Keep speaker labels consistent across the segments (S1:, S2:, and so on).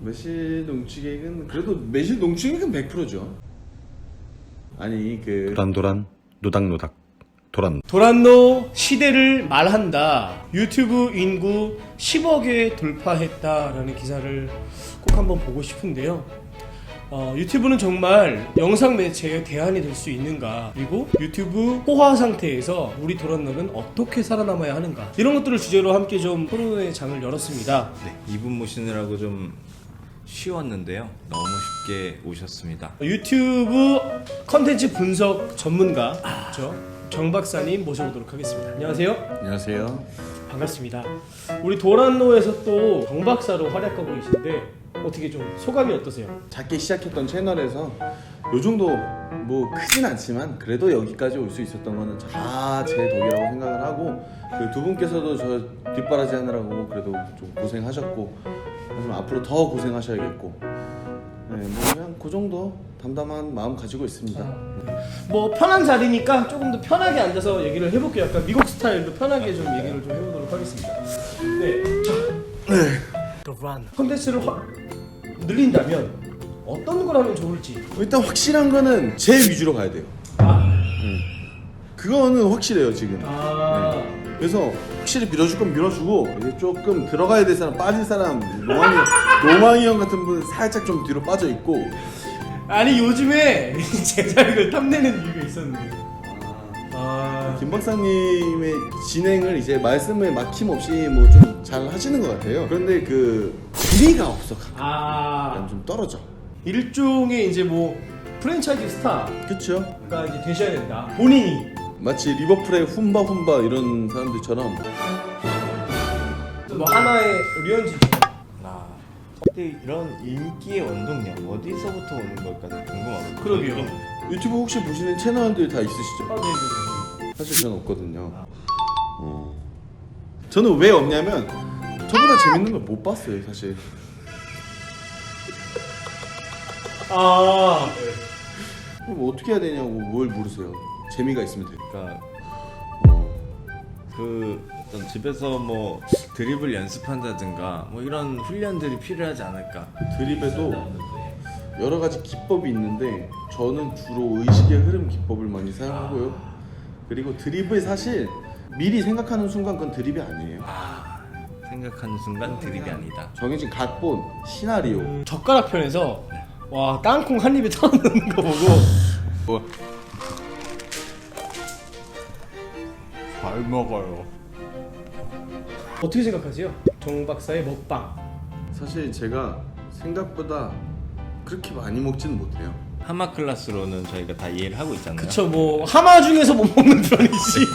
S1: 매실 농축액은 그래도 매실 농축액은 100%죠. 아니
S2: 도란도란 노닥노닥 도란.
S3: 도란노 시대를 말한다. 유튜브 인구 10억에 돌파했다라는 기사를 꼭 한번 보고 싶은데요. 유튜브는 정말 영상 매체의 대안이 될 수 있는가, 그리고 유튜브 포화 상태에서 우리 도란노는 어떻게 살아남아야 하는가, 이런 것들을 주제로 함께 좀 토론의 장을 열었습니다.
S4: 네, 이분 모시느라고 좀 쉬웠는데요. 너무 쉽게 오셨습니다.
S3: 유튜브 컨텐츠 분석 전문가 정 박사님 모셔보도록 하겠습니다. 안녕하세요.
S1: 안녕하세요.
S3: 반갑습니다. 우리 도란노에서 또 정 박사로 활약하고 계신데 어떻게 좀 소감이 어떠세요?
S1: 작게 시작했던 채널에서 요 정도 뭐 크진 않지만 그래도 여기까지 올 수 있었던 거는 다 제 덕이라고 생각을 하고, 그리고 두 분께서도 저 뒷바라지 하느라고 그래도 좀 고생하셨고, 하지만 앞으로 더 고생하셔야겠고, 네, 뭐 그냥 그 정도 담담한 마음 가지고 있습니다.
S3: 뭐 편한 자리니까 조금 더 편하게 앉아서 얘기를 해볼게요. 약간 미국 스타일로 편하게 좀 얘기를 좀 해보도록 하겠습니다. 네, 자, 컨텐츠를 늘린다면 어떤 걸 하면 좋을지.
S1: 일단 확실한 거는 제 위주로 가야 돼요. 그거는 확실해요 지금. 그래서 확실히 밀어줄 건 밀어주고, 이제 조금 들어가야 될 사람, 빠질 사람, 노망이 형 같은 분은 살짝 좀 뒤로 빠져 있고.
S3: 아니 요즘에 제자리를 탐내는 이유가 있었는데.
S1: 김 박사님의 진행을 이제 말씀을 막힘없이 뭐 좀 잘 하시는 것 같아요. 그런데 그 길이가 없어. 약간 좀 떨어져.
S3: 일종의 이제 뭐 프랜차이즈 스타가
S1: 그쵸?
S3: 이제 되셔야 된다. 본인이.
S1: 마치 리버풀의 훈바 이런 사람들처럼.
S3: 뭐 하나의 류현진.
S4: 근데 이런 인기의 원동력 어디서부터 오는 걸까 궁금하거든요.
S3: 그러게요.
S1: 유튜브 혹시 보시는 채널들 다 있으시죠?
S3: 네네네.
S1: 사실 저는 없거든요. 저는 왜 없냐면 저보다 재밌는 걸 못 봤어요 사실. 그럼 어떻게 해야 되냐고 뭘 물으세요. 재미가 있으면 돼요.
S4: 그러니까 그 어떤 집에서 뭐 드리블 연습한다든가 뭐 이런 훈련들이 필요하지 않을까.
S1: 드립에도 여러 가지 기법이 있는데 저는 주로 의식의 흐름 기법을 많이 사용하고요. 그리고 드립을 사실 미리 생각하는 순간 그건 드립이 아니에요.
S4: 생각하는 순간 드립이 아니다.
S1: 정해진 각본, 시나리오.
S3: 젓가락 편에서 와 땅콩 한 입에 털어넣는 거 보고
S1: 뭐
S4: 잘 먹어요.
S3: 어떻게 생각하세요? 정 박사의 먹방.
S1: 사실 제가 생각보다 그렇게 많이 먹지는 못해요.
S4: 하마 클래스로는 저희가 다 이해를 하고 있잖아요.
S3: 그쵸, 뭐 하마 중에서 못 먹는 편이지.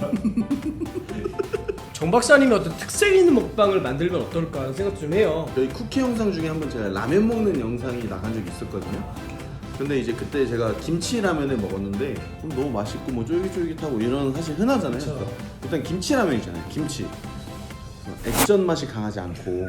S3: 정 박사님이 어떤 특색 있는 먹방을 만들면 어떨까 하는 생각 좀 해요.
S1: 저희 쿠키 영상 중에 한번 제가 라면 먹는 영상이 나간 적이 있었거든요. 근데 이제 그때 제가 김치 라면을 먹었는데 너무 맛있고 뭐 쫄깃쫄깃하고 이런 사실 흔하잖아요.
S3: 그쵸.
S1: 일단 김치 라면이잖아요. 김치. 액젓 맛이 강하지 않고,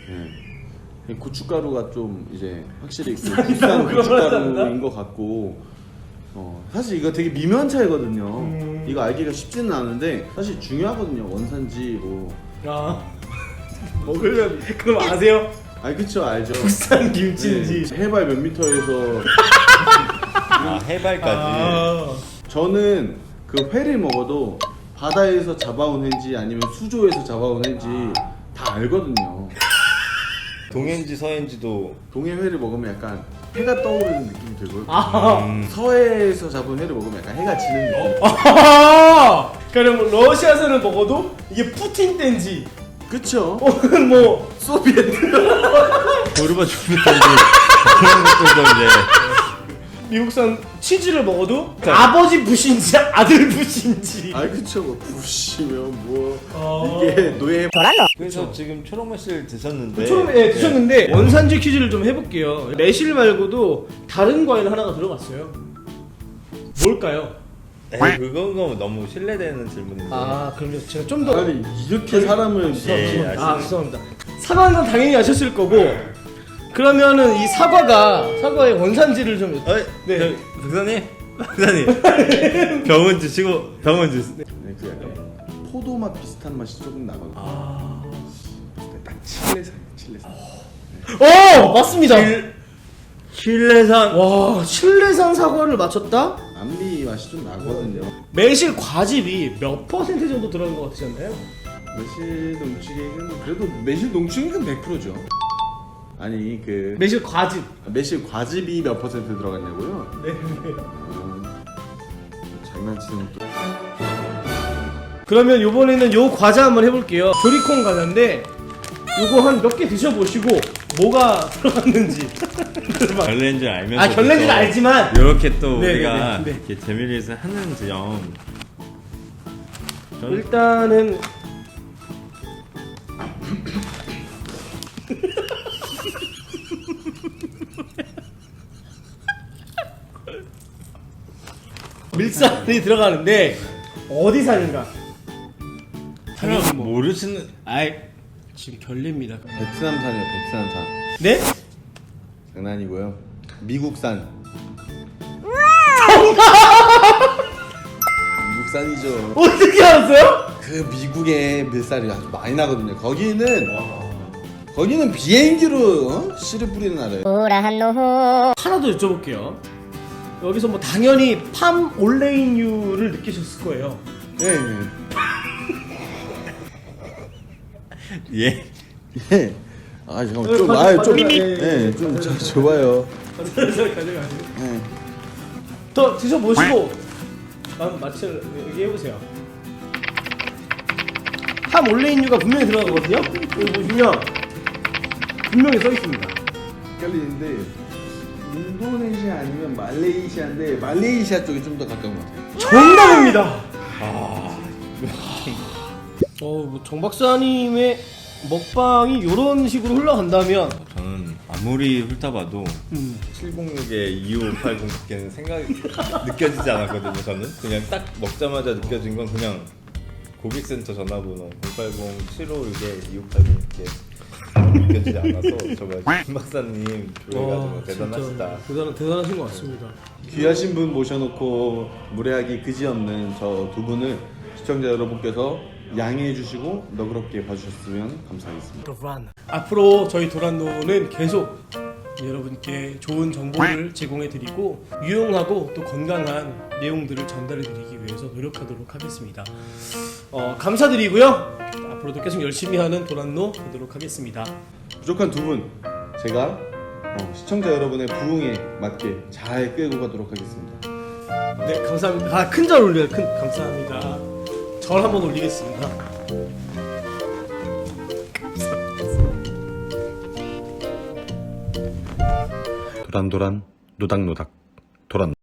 S1: 고춧가루가 좀 이제 확실히 그 비싼 고춧가루인 것 같고, 사실 이거 되게 미묘한 차이거든요. 이거 알기가 쉽지는 않은데 사실 중요하거든요. 원산지 뭐.
S3: 먹으려면 그럼 아세요?
S1: 아니 그쵸, 알죠.
S3: 국산 김치인지.
S1: 네, 해발 몇 미터에서.
S4: 해발까지.
S1: 저는 그 회를 먹어도 바다에서 잡아온 회인지 아니면 수조에서 잡아온 회인지 다 알거든요.
S4: 동해인지 서해인지도.
S1: 동해 회를 먹으면 약간 해가 떠오르는 느낌이 들고요. 서해에서 잡은 회를 먹으면 약간 해가 지는 느낌.
S3: 그럼 러시아에서는 먹어도 이게 푸틴 땐지
S1: 그쵸?
S3: 혹은 뭐
S1: 소비에트.
S4: 고르바초프든지 그런 것들도 이제.
S3: 미국산 치즈를 먹어도 아버지 부신지 아들 부신지.
S1: 아 그쵸. 뭐 부시면 뭐 이게 노예.
S4: 그래서 지금 초록 매실 드셨는데.
S3: 처음에 드셨는데 원산지 퀴즈를 좀 해볼게요. 매실 말고도 다른 과일 하나가 들어갔어요. 뭘까요?
S4: 그건 너무 신뢰되는 질문인데.
S3: 그럼요. 제가 좀 더.
S1: 아니 이렇게 사람을
S3: 죄송합니다. 사과는 건 당연히 아셨을 거고. 그러면은 이 사과의 원산지를 좀.
S4: 네. 박사님. 병원 주시고 병원 주세요.
S1: 네, 그 약간 포도 맛 비슷한 맛이 조금 나거든요. 딱 칠레산.
S3: 맞습니다.
S4: 신뢰산.
S3: 와, 신뢰산 사과를 맞췄다?
S1: 암미 맛이 좀 나거든요.
S3: 매실 과즙이 몇 퍼센트 정도 들어간 것 같지 않나요?
S1: 매실 농축액은 그래도 매실 농축액은 100%죠. 아니 그
S3: 매실 과즙.
S1: 매실 과즙이 몇 퍼센트 들어갔냐고요?
S3: 네.
S1: 장난치는 또.
S3: 그러면 요번에는 요 과자 한번 해볼게요. 조리콘 과자인데 요거 한 몇 개 드셔보시고 뭐가 들어갔는지.
S4: 결례인 줄 알면서.
S3: 아, 결례인지는 알지만
S4: 이렇게 또
S3: 네,
S4: 우리가
S3: 네, 네.
S4: 이렇게 재미를 위해서 하는 점. 저는
S3: 일단은 밀산이 들어가는데 어디 산인가? 당연히 뭐.
S4: 모르시는.
S3: 아이, 지금 결례입니다.
S1: 베트남산이요, 베트남산.
S3: 네?
S1: 장난이고요. 미국산. 미국산이죠.
S3: 어떻게 알았어요?
S1: 그 미국의 밀살이 아주 많이 나거든요. 거기는 비행기로 씨를 뿌리는 나라예요.
S3: 하나 더 여쭤볼게요. 여기서 뭐 당연히 팜 올레인유를 느끼셨을 거예요.
S1: 예, 예.
S4: 예.
S1: 예. 아 잠깐만 좀
S3: 가져-
S1: 좀
S3: 가져가-
S1: 예, 좀 좋아요.
S3: 가져가세요.
S1: 예.
S3: 더 드셔보시고 맛을 얘기해보세요. 팜 올레인유가 분명히 들어가거든요. 여기 보시면 분명히 써있습니다.
S1: 헷갈리는데 인도네시아 아니면 말레이시아인데 말레이시아 쪽이 좀 더 가까운 것 같아요.
S3: 정답입니다. 뭐 정 박사님의 먹방이 이런 식으로 흘러간다면
S4: 저는 아무리 훑어봐도 706의 2580밖에는 생각이 느껴지지 않았거든요. 저는 그냥 딱 먹자마자 느껴진 건 그냥 고객센터 전화번호 080-756에 2580 이렇게 느껴지지 않아서 정말 김 박사님 조회가 정말 대단하시다.
S3: 대단하신 것 같습니다.
S1: 귀하신 분 모셔놓고 무례하기 그지없는 저 두 분을 시청자 여러분께서 양해해 주시고 너그럽게 봐주셨으면 감사하겠습니다.
S3: 앞으로 저희 도란노는 계속 여러분께 좋은 정보를 제공해드리고 유용하고 또 건강한 내용들을 전달해드리기 위해서 노력하도록 하겠습니다. 감사드리고요. 앞으로도 계속 열심히 하는 도란노 되도록 하겠습니다.
S1: 부족한 두 분 제가 시청자 여러분의 부응에 맞게 잘 끌고 가도록 하겠습니다.
S3: 네, 감사합니다. 큰 절 올려요. 감사합니다. 절 한번 올리겠습니다.
S2: 도란도란 노닥노닥 도란